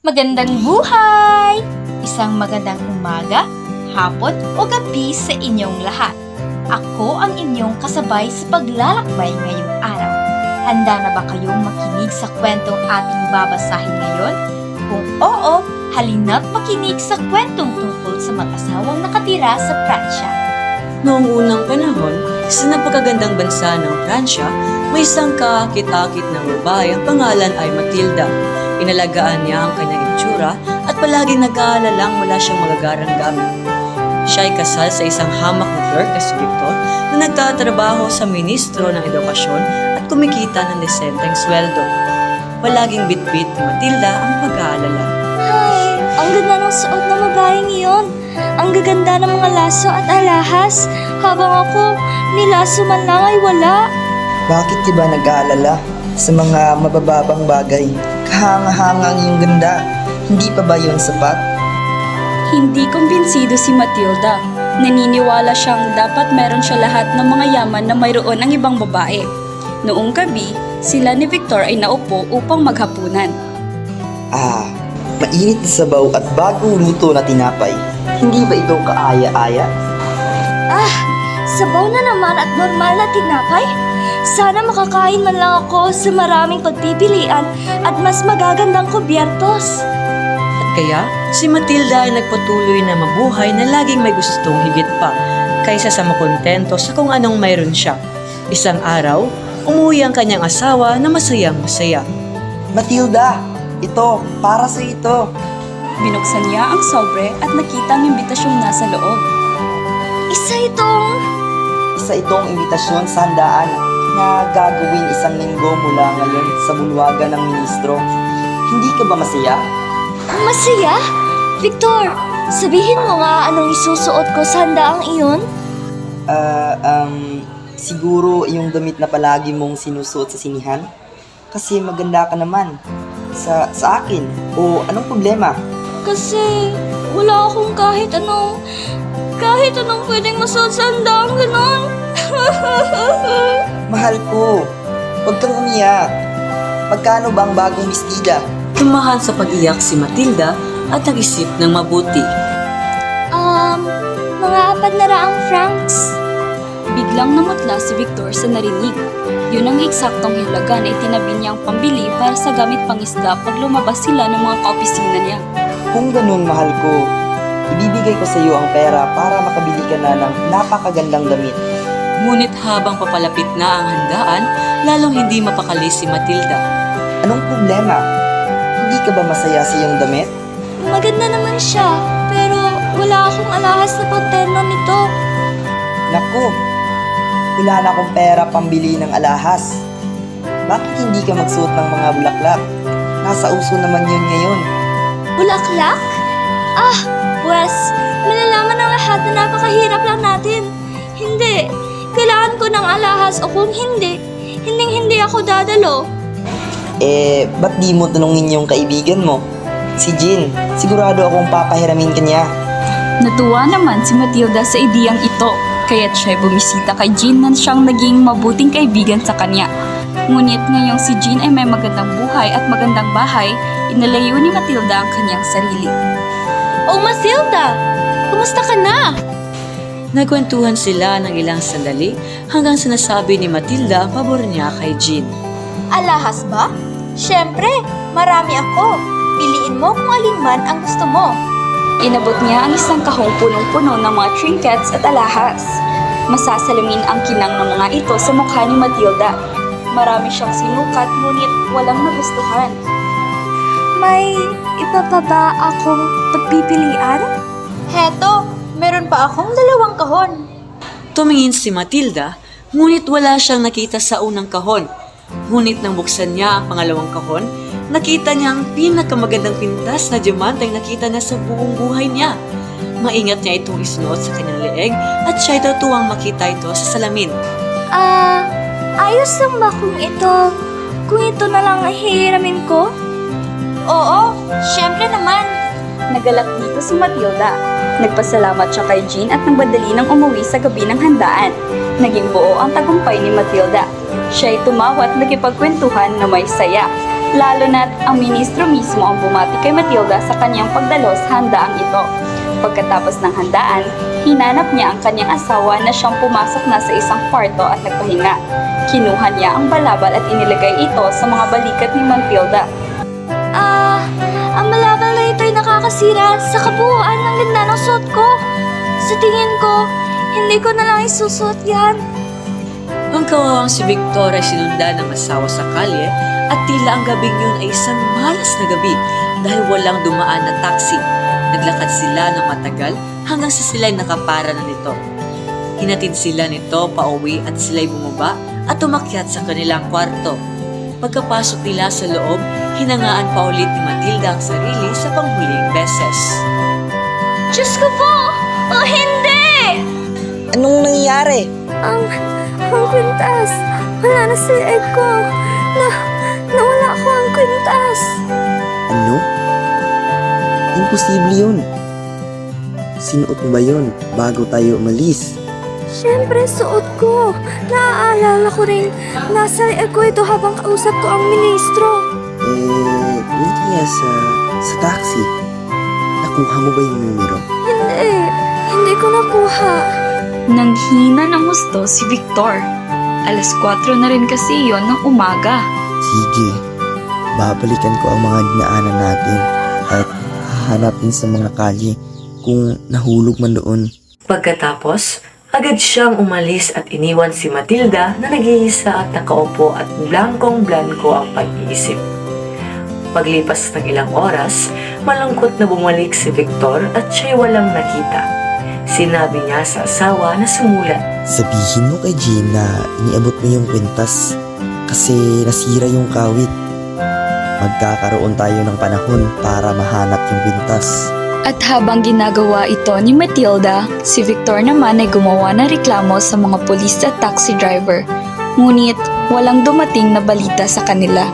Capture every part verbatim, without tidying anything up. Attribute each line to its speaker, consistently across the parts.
Speaker 1: Magandang buhay! Isang magandang umaga, hapon o gabi sa inyong lahat. Ako ang inyong kasabay sa paglalakbay ngayong araw. Handa na ba kayong makinig sa kwentong ating babasahin ngayon? Kung oo, halina't makinig sa kwentong tungkol sa mag-asawang nakatira sa Pransya.
Speaker 2: Noong unang panahon, sa napakagandang bansa ng Pransya, may isang kaakit-akit na babae ang pangalan ay Matilda. Inalagaan niya ang kanyang itsura at palaging nag-aalalang wala siyang magagarang gamit. Siya ay kasal sa isang hamak na clerk na si Victor na nagtatrabaho sa ministro ng edukasyon at kumikita ng desenteng sweldo. Palaging bitbit ni Matilda ang pag-aalala.
Speaker 3: Ay, ang ganda ng suot ng babaeng iyon. Ang gaganda ng mga laso at alahas. Habang ako, nilaso man lang ay wala.
Speaker 4: Bakit ka ba nag-aalala sa mga mabababang bagay? Kahanga-hangang yung ganda. Hindi pa ba yun sapat?
Speaker 5: Hindi kumbinsido si Matilda. Naniniwala siyang dapat meron siya lahat ng mga yaman na mayroon ang ibang babae. Noong gabi, sila ni Victor ay naupo upang maghapunan.
Speaker 4: Ah, mainit na sabaw at bagong luto na tinapay. Hindi ba ito kaaya-aya?
Speaker 3: Ah, sabaw na naman at normal na tinapay. Sana makakain man lang ako sa maraming pagpipilian at mas magagandang kubyertos.
Speaker 2: At kaya, si Matilda ay nagpatuloy na mabuhay na laging may gustong higit pa kaysa sa makontento sa kung anong mayroon siya. Isang araw, umuwi ang kanyang asawa na masayang masaya.
Speaker 4: Matilda, ito, para sa ito.
Speaker 5: Binuksan niya ang sobre at nakita ang imbitasyong nasa loob.
Speaker 3: Isa itong...
Speaker 4: Isa itong imbitasyon sa handaan na gagawin isang linggo mula ngayon sa bulwagan ng ministro. Hindi ka ba masaya?
Speaker 3: Masaya? Victor, sabihin mo nga anong isusuot ko sa handaang iyon?
Speaker 4: Ah, um, siguro yung damit na palagi mong sinusuot sa sinihan? Kasi maganda ka naman. Sa, sa akin. O anong problema?
Speaker 3: Kasi wala akong kahit anong... Kahit anong pwedeng masuot sa handaang ganon.
Speaker 4: Mahal ko, huwag kang umiyak. Magkano ba ang bagong bestida?
Speaker 2: Tumahan sa pag-iyak si Matilda at nag-isip ng mabuti.
Speaker 3: Um, mga apat na raang francs.
Speaker 5: Biglang namutla si Victor sa narinig. Yun ang eksaktong halaga na itinabi niyang pambili para sa gamit pangisda pag lumabas sila ng mga kaopisina niya.
Speaker 4: Kung ganun, mahal ko, ibibigay ko sa iyo ang pera para makabili ka na ng napakagandang damit.
Speaker 2: Ngunit habang papalapit na ang handaan, lalong hindi mapakali si Matilda.
Speaker 4: Anong problema? Hindi ka ba masaya sa iyong damit?
Speaker 3: Maganda naman siya, pero wala akong alahas na pagterno nito.
Speaker 4: Naku, wala na akong pera pambili ng alahas. Bakit hindi ka magsuot ng mga bulaklak? Nasa uso naman yun ngayon.
Speaker 3: Bulaklak? Ah, Wes, malalaman ng lahat na napakahirap lang natin. Hindi, kailangan ko ng alahas o kung hindi, hinding-hindi ako dadalo.
Speaker 4: Eh, ba't di mo tanungin yung kaibigan mo? Si Jean, sigurado akong papahiramin ka niya.
Speaker 5: Natuwa naman si Matilda sa ideyang ito, kaya't siya'y bumisita kay Jean na siyang naging mabuting kaibigan sa kanya. Ngunit ngayong si Jean ay may magandang buhay at magandang bahay, inalayo ni Matilda ang kanyang sarili.
Speaker 3: Oh, Matilda! Kumusta ka na?
Speaker 2: Nagkwentuhan sila ng ilang sandali hanggang sinasabi ni Matilda ang pabor niya kay Jean.
Speaker 1: Alahas ba? Siyempre, marami ako. Piliin mo kung alin man ang gusto mo.
Speaker 5: Inabot niya ang isang kahong punong-puno ng mga trinkets at alahas. Masasalamin ang kinang ng mga ito sa mukha ni Matilda. Marami siyang sinukat ngunit walang nagustuhan.
Speaker 3: May iba pa ba akong pagpipilian?
Speaker 1: Heto, meron pa akong dalawang kahon.
Speaker 2: Tumingin si Matilda, ngunit wala siyang nakita sa unang kahon. Ngunit nang buksan niya ang pangalawang kahon, nakita niya ang pinakamagandang pintas na diamante ang nakita niya sa buong buhay niya. Maingat niya itong isuot sa kanyang leeg at siya'y tatuwang makita ito sa salamin.
Speaker 3: Ah, ayos lang ba kung ito, kung ito na lang ay hihiramin ko?
Speaker 1: Oo, siyempre naman.
Speaker 5: Nagalak dito si Matilda. Nagpasalamat siya kay Jean at nagbadali ng umuwi sa gabi ng handaan. Naging buo ang tagumpay ni Matilda. Siya'y tumawa at nagkipagkwentuhan na may saya. Lalo na't ang ministro mismo ang bumati kay Matilda sa kanyang pagdalo sa handaang ito. Pagkatapos ng handaan, hinanap niya ang kanyang asawa na siyang pumasok na sa isang kwarto at nagpahinga. Kinuha niya ang balabal at inilagay ito sa mga balikat ni Matilda.
Speaker 3: Ah, ang malabal na ito'y nakakasira sa kabuuan ng ganda ng suot ko. Sa tingin ko, hindi ko na lang isusuot yan.
Speaker 2: Ang kawawang si Victor ay sinundan ng asawa sa kalye at tila ang gabing yun ay isang malas na gabi dahil walang dumaan na taxi. Naglakad sila ng matagal hanggang sa sila'y nakapara na nito. Hinatid sila nito pauwi at sila'y bumaba at umakyat sa kanilang kwarto. Pagkapasok nila sa loob, hinangaan pa ulit ni Matilda ang sarili sa panghuling beses.
Speaker 3: Diyos ko po! O hindi!
Speaker 4: Anong nangyayari?
Speaker 3: Ang, ang kwintas. Wala na si egg ko. Na, nawala ko ang kwintas.
Speaker 4: Ano? Imposible yun. Sinuot mo ba yun bago tayo umalis?
Speaker 3: Siyempre, suot ko. Naaalala ko rin, nasa egg ko ito habang kausap ko ang ministro.
Speaker 4: Eh, hindi kaya sa, sa taxi. Nakuha mo ba yung numero?
Speaker 3: Hindi, hindi ko nakuha.
Speaker 5: Nanghina ng gusto si Victor. Alas kwatro na rin kasi yon ng umaga.
Speaker 4: Sige, babalikan ko ang mga dinaanan natin at hahanapin sa mga kalye kung nahulog man doon.
Speaker 2: Pagkatapos, agad siyang umalis at iniwan si Matilda na nag-iisa at nakaupo at blankong-blanko ang pag-iisip. Paglipas ng ilang oras, malungkot na bumalik si Victor at siya'y walang nakita. Sinabi niya sa asawa na sumulat.
Speaker 4: Sabihin mo kay Jean na iniabot mo yung kwintas kasi nasira yung kawit. Magkakaroon tayo ng panahon para mahanap yung kwintas.
Speaker 5: At habang ginagawa ito ni Matilda, si Victor naman ay gumawa ng reklamo sa mga pulis at taxi driver. Ngunit walang dumating na balita sa kanila.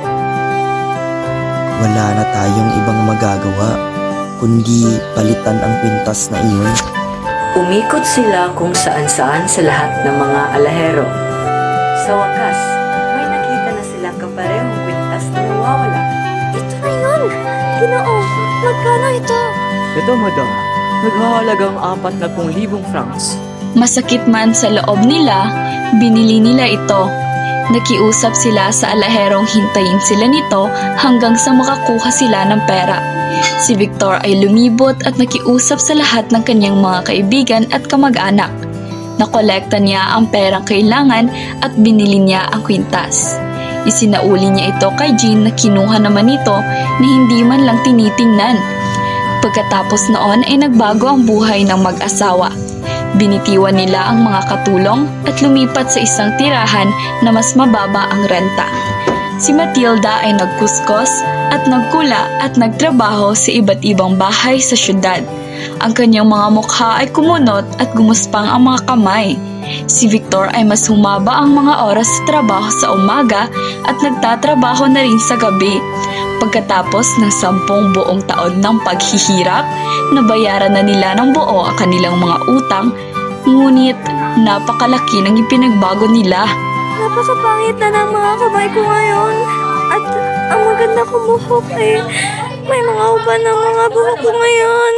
Speaker 4: Wala na tayong ibang magagawa kundi palitan ang kwintas na iyon.
Speaker 2: Umikot sila kung saan-saan sa lahat ng mga alahero. Sa wakas, may nakita na silang kaparehong kwintas na nawawala.
Speaker 3: Ito na yun! Ginoo, magkano ito?
Speaker 6: Ito, madam. Naghahalagang apat na pung libong francs.
Speaker 5: Masakit man sa loob nila, binili nila ito. Nakiusap sila sa alaherong hintayin sila nito hanggang sa makakuha sila ng pera. Si Victor ay lumibot at nakiusap sa lahat ng kanyang mga kaibigan at kamag-anak. Nakolekta niya ang perang kailangan at binili niya ang kwintas. Isinauli niya ito kay Jean na kinuha naman nito na hindi man lang tinitingnan. Pagkatapos noon ay nagbago ang buhay ng mag-asawa. Binitiwan nila ang mga katulong at lumipat sa isang tirahan na mas mababa ang renta. Si Matilda ay nagkuskos at nagkula at nagtrabaho sa iba't ibang bahay sa syudad. Ang kanyang mga mukha ay kumunot at gumuspang ang mga kamay. Si Victor ay mas humaba ang mga oras sa trabaho sa umaga at nagtatrabaho na rin sa gabi. Pagkatapos ng sampung buong taon ng paghihirap, nabayaran na nila ng buo ang kanilang mga utang, ngunit napakalaki ng ipinagbago nila.
Speaker 3: Napakapangit na ng mga kamay ko ngayon. At ang maganda kong buhok eh, may mga uban ng mga buhok ko ngayon.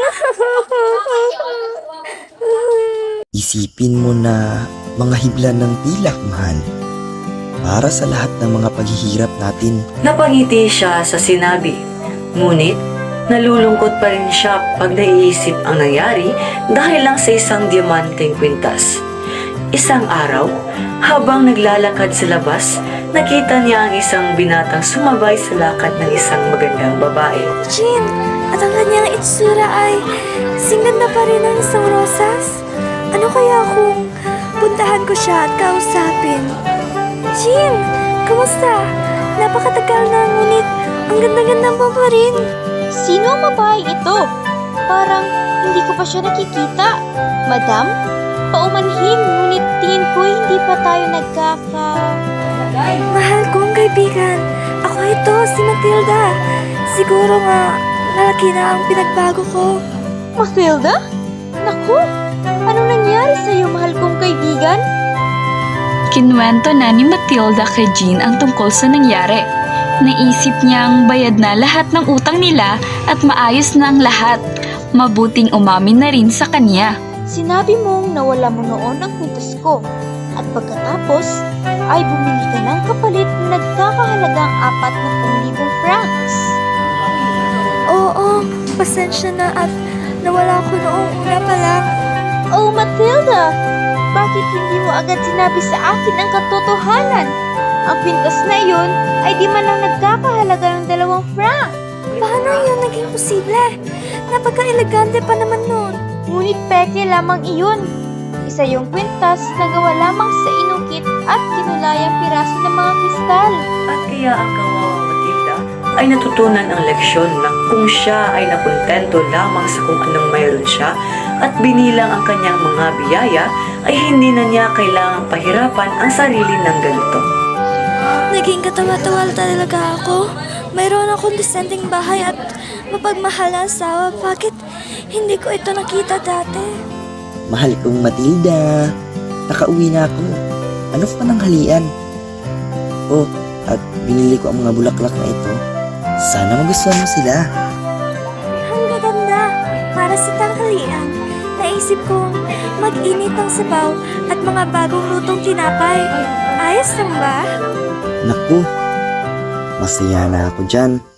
Speaker 4: Isipin mo na mga hibla ng pilak, mahal. Para sa lahat ng mga paghihirap natin.
Speaker 2: Napangiti siya sa sinabi. Ngunit, nalulungkot pa rin siya pag naiisip ang nangyari dahil lang sa isang diamanteng kwintas. Isang araw, habang naglalakad sa labas, nakita niya ang isang binatang sumabay sa lakad ng isang magandang babae.
Speaker 3: Jean, at ang kanyang itsura ay singganda pa rin ng isang rosas. Ano kaya kung puntahan ko siya at kausapin? Jean, kumusta? Napakatagal na, ngunit ang ganda-ganda mo pa rin.
Speaker 1: Sino ang babae ito? Parang hindi ko pa siya nakikita. Madam, paumanhin, ngunit tingin ko hindi pa tayo nagkaka...
Speaker 3: Mahal kong kaibigan, ako ito, si Matilda. Siguro nga, malaki na ang pinagbago ko.
Speaker 1: Matilda? Naku, anong nangyari sa'yo, mahal kong kaibigan?
Speaker 5: Kinuwento na ni Matilda kay Jean ang tungkol sa nangyari. Naisip niyang bayad na lahat ng utang nila at maayos na ang lahat. Mabuting umamin na rin sa kanya.
Speaker 3: Sinabi mong nawala mo noon ang kwintas ko. At pagkatapos, ay bumili ka ng kapalit na nagkakahalagang apat na pung libong francs. Oo, pasensya na at nawala ko noong una pa lang. Oh, Matilda! Bakit hindi mo agad sinabi sa akin ang katotohanan? Ang kwintas na iyon ay di man lang nagkakahalaga ng dalawang franc. Paano yun naging posible? Napaka-elegante pa naman nun. Ngunit peke lamang iyon. Isa yung kwintas na gawa lamang sa inukit at kinulayang piraso ng mga kristal.
Speaker 2: At kaya ang kawawang Matilda ay natutunan ang leksyon na kung siya ay nakontento lamang sa kung anong mayroon siya at binilang ang kanyang mga biyaya, ay hindi na niya kailangang pahirapan ang sarili ng ganito.
Speaker 3: Naging katawa-tawa talaga ako. Mayroon akong disenteng bahay at mapagmahal na asawa. Bakit hindi ko ito nakita dati?
Speaker 4: Mahal kong Matilda, nakauwi na ako. Ano pa nang halian? Oh, at binili ko ang mga bulaklak na ito. Sana magustuhan mo sila.
Speaker 3: Ang gaganda. Para sa tanghalian, naisip kong mag-init ng sabaw at mga bagong lutong tinapay. Ayos lang ba?
Speaker 4: Naku, masaya na ako dyan.